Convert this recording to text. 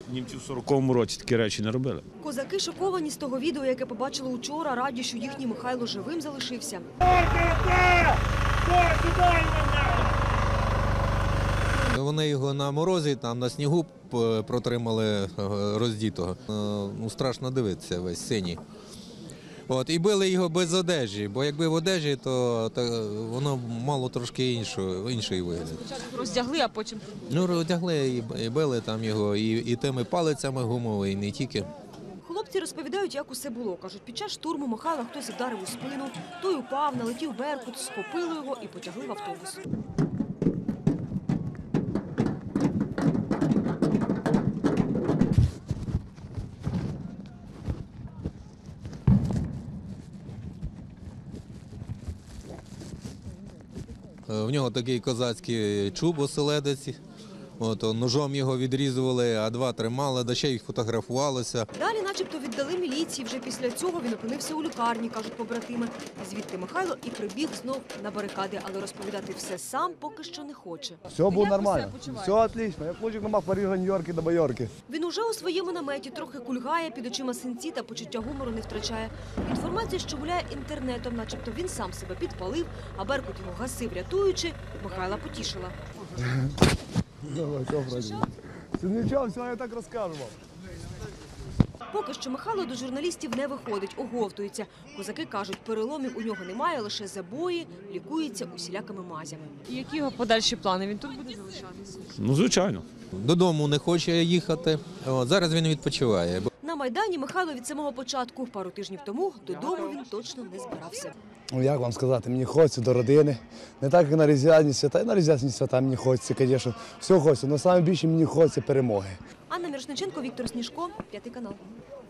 Німці в 40-му році такі речі не робили. Козаки шоковані з того відео, яке побачили учора, раді, що їхній Михайло живим залишився. Вони його на морозі, там на снігу протримали роздітого. Страшно дивитися, весь синій. І били його без одежі, бо якби в одежі, то воно мало трошки інший вигляд. Спочатку роздягли, а потім… Роздягли і били там його і тими палицями гумовими, і не тільки. Хлопці розповідають, як усе було. Кажуть, під час штурму Михайла хтось вдарив у спину, той упав, налетів беркут, схопили його і потягли в автобус. В нього такий козацький чуб оселедець. Ножом його відрізували, а два тримали, да ще й фотографувалися. Далі начебто віддали міліції. Вже після цього він опинився у лікарні, кажуть побратими. Звідти Михайло і прибіг знов на барикади, але розповідати все сам поки що не хоче. Все було нормально, все отлично. Я хлопчик на Парижа, Нью-Йорки до Майорки. Він уже у своєму наметі трохи кульгає, під очима синці та почуття гумору не втрачає. Інформація, що гуляє інтернетом, начебто він сам себе підпалив, а беркут його гасив, рятуючи, Михайла потішила. Давай, все, вроде. Нічого, все, я так розкажу вам. Поки що Михайло до журналістів не виходить, оговтується. Козаки кажуть, переломів у нього немає, лише забої, лікується усілякими мазями. І які його подальші плани? Він тут буде залишатися? Звичайно. Додому не хоче їхати, зараз він відпочиває. На Майдані Михайло від самого початку. Пару тижнів тому додому він точно не збирався. Як вам сказати, мені хочеться до родини. Не так, як на Різдвяні свята, і на Різдвяні свята мені хочеться, звісно. Все хочеться, але найбільше мені хочеться перемоги. Анна Мірошниченко, Віктор Сніжко, 5 канал.